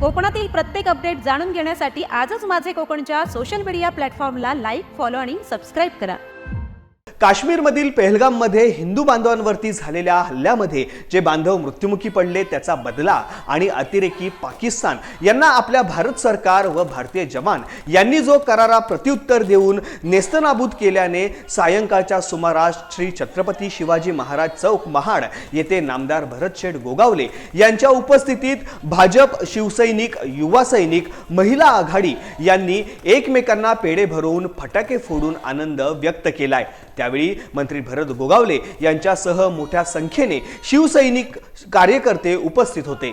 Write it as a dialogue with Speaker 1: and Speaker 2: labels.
Speaker 1: कोकणातील प्रत्येक अपडेट जाणून घेण्यासाठी आजच माझे कोकणच्या सोशल मीडिया प्लॅटफॉर्मला लाईक, फॉलो आणि सबस्क्राईब करा।
Speaker 2: काश्मीरमधील पहलगाममध्ये हिंदू बांधवांवरती झालेल्या हल्ल्यामध्ये जे बांधव मृत्युमुखी पडले त्याचा बदला आणि अतिरेकी पाकिस्तान यांना आपल्या भारत सरकार व भारतीय जवान यांनी जो करारा प्रत्युत्तर देऊन नेस्तनाबूत केल्याने सायंकाळच्या सुमारास श्री छत्रपती शिवाजी महाराज चौक महाड येथे नामदार भरतशेठ गोगावले यांच्या उपस्थितीत भाजप, शिवसैनिक, युवा सैनिक, महिला आघाडी यांनी एकमेकांना पेढे भरवून फटाके फोडून आनंद व्यक्त केलाय। त्यावेळी मंत्री भरत गोगावले यांच्यासह मोठ्या संख्येने शिवसैनिक कार्यकर्ते उपस्थित होते।